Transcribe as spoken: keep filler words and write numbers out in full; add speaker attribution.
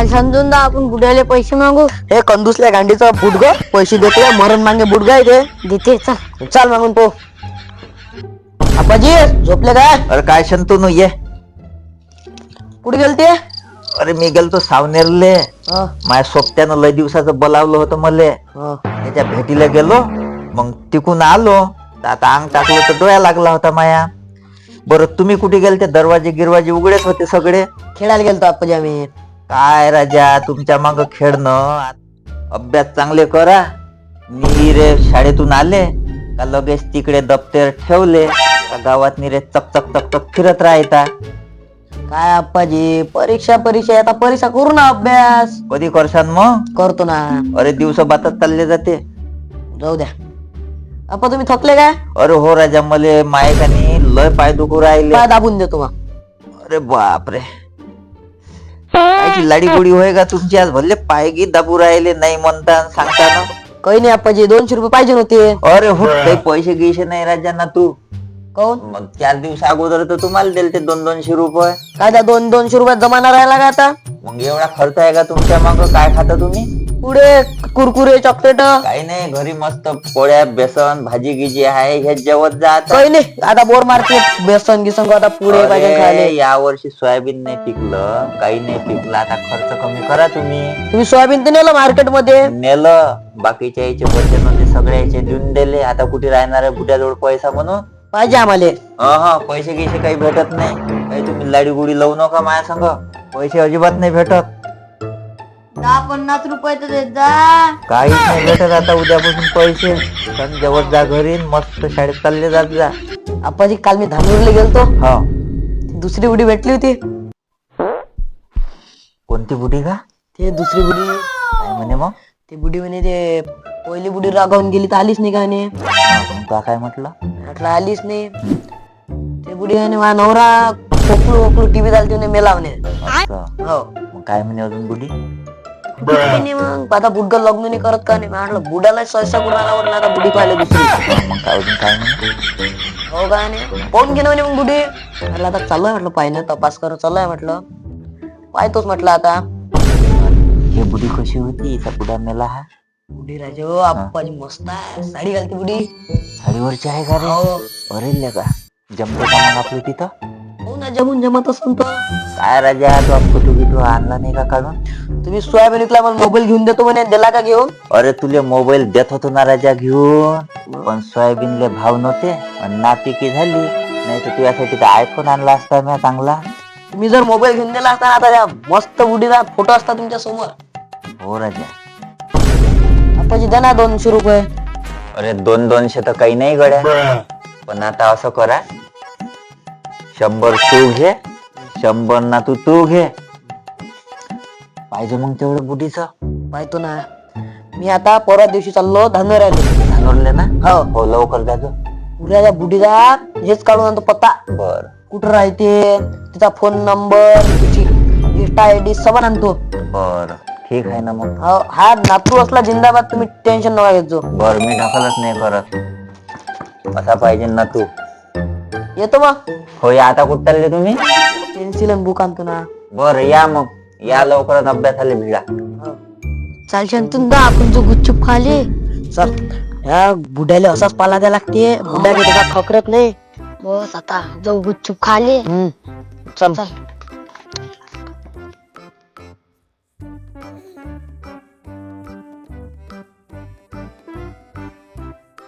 Speaker 1: चाल समजून दा आपण बुड्याले पैसे मागू.
Speaker 2: हे कंदुसल्या गांडीचा बुडग पैसे देते मरण मागे बुडगा आहे ते.
Speaker 1: देते चल.
Speaker 2: चाल मागून पो. आपाजी झोपले काय?
Speaker 3: अरे काय शंतनू ये.
Speaker 2: कुठे गेलते?
Speaker 3: अरे मी गेलतो सावनेरले. माझ्या सोबत्यानं लय दिवसाचं बोलावलं होतं मले. त्याच्या भेटीला गेलो मग तिकून आलो आता अंग टाकलं तर डोळ्या लागला होता माया. बरं तुम्ही कुठे गेलते? दरवाजे गिरवाजे उघडेच होते सगळे.
Speaker 2: खेळायला गेलतो आपाजी आम्ही.
Speaker 3: काय राजा तुमच्या माग खेळणं. अभ्यास चांगले करा. निरे शाळेतून आले का लगेच तिकडे दप्तर ठेवले का गावात निरे चक चक चक चक फिरत राहता.
Speaker 2: काय आप्पाजी परीक्षा परीक्षा आता परीक्षा करू ना अभ्यास.
Speaker 3: कधी करसान मग?
Speaker 2: करतो ना.
Speaker 3: अरे दिवस बातात चालले जाते.
Speaker 2: जाऊ द्या. अप्पा तुम्ही थकले काय?
Speaker 3: अरे हो राजा मले मायकानी लय पाय दुखू राहिले.
Speaker 2: पाय दाबून देतो मग.
Speaker 3: अरे बापरे कायची लाडी गोडी होय का तुमची? आज भले पाय गी दाबू राहिले नाही म्हणता सांगता ना.
Speaker 2: काही नाही आप्पाजी दोनशे रुपये पाहिजे होते.
Speaker 3: अरे हो काही पैसे गिसे नाही राजा ना तू.
Speaker 2: काऊन?
Speaker 3: मग चार दिवस अगोदर तर तुम्हाला दिले ते दोन दोनशे रुपये.
Speaker 2: काय त्या दोन दोनशे रुपयात जमाना राहिला का आता?
Speaker 3: मग एवढा खर्च आहे का तुमच्या माग? काय खाता तुम्ही?
Speaker 2: पुढे कुरकुरे चॉकलेट
Speaker 3: काही नाही घरी मस्त पोळ्या बेसन भाजी गिजी आहे हे जेवत जात.
Speaker 2: काही नाही आता बोर मारते बेसन गिसन आता पुढे पाहिजे खायला.
Speaker 3: या वर्षी सोयाबीन नाही पिकलं काही नाही पिकलं आता खर्च कमी करा तुम्ही.
Speaker 2: तुम्ही सोयाबीन तर नेलं मार्केट मध्ये.
Speaker 3: नेलं बाकीच्या याचे वचन होते सगळ्याचे देऊन दिले. आता कुठे राहणार आहे बुड्याजवळ पैसा म्हणून?
Speaker 2: पाहिजे आम्हाला.
Speaker 3: हा पैसे गिसे काही भेटत नाही. काही तुम्ही लाडी गुडी लावू नका माझ्या संग. पैसे अजिबात नाही भेटत.
Speaker 1: दहा पन्नास रुपये तर देत जा.
Speaker 3: काहीच नाही भेटत आता उद्यापासून पैसे. पण जेवत जा घरी मस्त शाळेत चालले जात जा.
Speaker 2: आप्पाजी काल मी धानूरला गेलतो.
Speaker 3: हा
Speaker 2: दुसरी बुडी भेटली होती.
Speaker 3: कोणती बुडी का?
Speaker 2: ते दुसरी बुडी.
Speaker 3: काय म्हणे मग?
Speaker 2: ते बुडी म्हणे ते पहिली बुडी रागावून गेली तर आलीच नाही का म्हणे.
Speaker 3: का काय म्हटलं?
Speaker 2: म्हटलं आलीच नाही. ते बुडी म्हणे माझा नवरा खोकलू खोकलू टीव्ही चालते म्हणे मेला म्हणे.
Speaker 3: असं.
Speaker 2: हो
Speaker 3: मग काय म्हणे अजून बुडी?
Speaker 2: नाही मग आता बुडगा लग्न नाही करत का नाही. म्हटलं बुडाला सहसा कुणाला वाटलं आता बुडी पाहिलं दुसरी.
Speaker 3: मग काय अजून काय म्हणे?
Speaker 2: हो का नाही पाहून घे ना म्हणे मग बुडी. म्हटलं आता चालू आहे म्हटलं पाहिजे तपास कर चालू आहे म्हटलं. पाहतोच म्हटलं आता.
Speaker 3: हे बुडी कशी होती? इथं बुडा मेला हा.
Speaker 2: बुडी राजा हो आप्पाजी मस्त आहे. साडी घालते बुडी.
Speaker 3: साडीवरची आहे का रे?
Speaker 2: हो.
Speaker 3: अरे का जमते का मग आपलं तिथं?
Speaker 2: हो ना जमून जमत असून तर.
Speaker 3: काय राजा तू फोटो गिटो आणला नाही का काढून?
Speaker 2: तुम्ही सोयाबीन विकला मला मोबाईल घेऊन देतो म्हणे दिला का घेऊन?
Speaker 3: अरे तुले मोबाईल देत होतो ना राजा घेऊन. पण सोयाबीनले भाव नव्हते आणि नापिकी झाली. नाही तर तुझ्यासाठी तर आयफोन आणला असता मी चांगला.
Speaker 2: तुम्ही जर मोबाईल घेऊन दिला असता आता त्या मस्त बुडीचा फोटो असता तुमच्या समोर.
Speaker 3: हो राजा.
Speaker 2: आप्पाजी द्या ना दोनशे रुपये.
Speaker 3: अरे दोन दोनशे तर काही नाही गड्या. पण आता असं करा शंभर तू घे शंभर ना तू तू घे. पाहिजे मग तेवढं बुडीचं?
Speaker 2: पाहतो ना. मी आता परवा दिवशी चाललो धानोर
Speaker 3: धानोरले ना?
Speaker 2: हो
Speaker 3: हो लवकर द्या.
Speaker 2: उद्या बुडीचा हेच काढून आणतो पत्ता.
Speaker 3: बर
Speaker 2: कुठं राहते तिचा फोन नंबर तिची इंस्टा आय डी सगळं आणतो.
Speaker 3: बर ठीक आहे ना मग.
Speaker 2: हो हा नातू असला जिंदाबाद तुम्ही टेन्शन नका घेतो.
Speaker 3: बर मी ढकलच नाही करत. असा पाहिजे ना तू.
Speaker 2: येतो मग.
Speaker 3: हो या आता कुठं चालले तुम्ही?
Speaker 2: पेन्सिल आणि बुक आणतो ना.
Speaker 3: बर या मग या लवकरच अभ्यासाला भिडा.
Speaker 1: चाल शंतून दा आपण जो गुपचूप खाले.
Speaker 2: चल ह्या बुड्याला असाच पाला द्या लागते. बुड्या त्याचा खकरत नाही.
Speaker 1: बस आता जाऊ गुपचूप खाले.
Speaker 2: हम्म चल
Speaker 1: चल.